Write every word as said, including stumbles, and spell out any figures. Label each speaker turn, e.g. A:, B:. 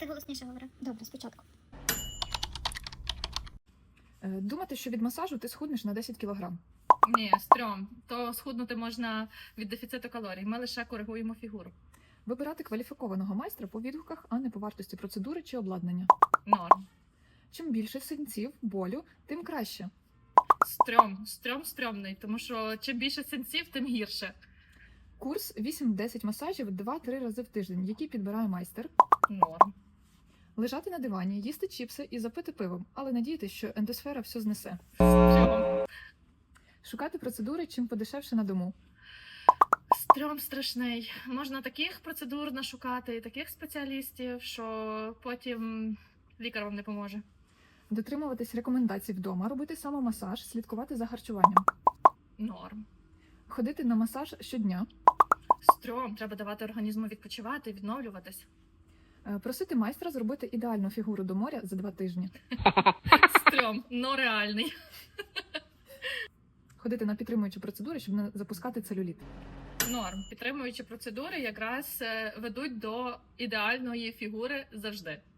A: ти голосніше говори. Добре, спочатку.
B: Е, Думати, що від масажу ти схуднеш на десять кілограм.
C: Ні, стрьом. То схуднути можна від дефіциту калорій. Ми лише коригуємо фігуру.
B: Вибирати кваліфікованого майстра по відгуках, а не по вартості процедури чи обладнання.
C: Норм.
B: Чим більше синців, болю, тим краще.
C: Стрьом. Стрьом стрьомний, тому що чим більше синців, тим гірше.
B: Курс вісім-десять масажів два-три рази в тиждень, який підбирає майстер.
C: Норм.
B: Лежати на дивані, їсти чіпси і запити пивом, але надіятися, що ендосфера все знесе.
C: Стрьом.
B: Шукати процедури чим подешевше на дому.
C: Стрьом страшний. Можна таких процедур нашукати і таких спеціалістів, що потім лікар вам не поможе.
B: Дотримуватись рекомендацій вдома, робити самомасаж, слідкувати за харчуванням.
C: Норм.
B: Ходити на масаж щодня.
C: Стрьом. Треба давати організму відпочивати, відновлюватись.
B: Е, Просити майстра зробити ідеальну фігуру до моря за два тижні.
C: Стрьом, но реальний.
B: Ходити на підтримуючі процедури, щоб не запускати целюліт.
C: Норм. Підтримуючі процедури якраз е, ведуть до ідеальної фігури завжди.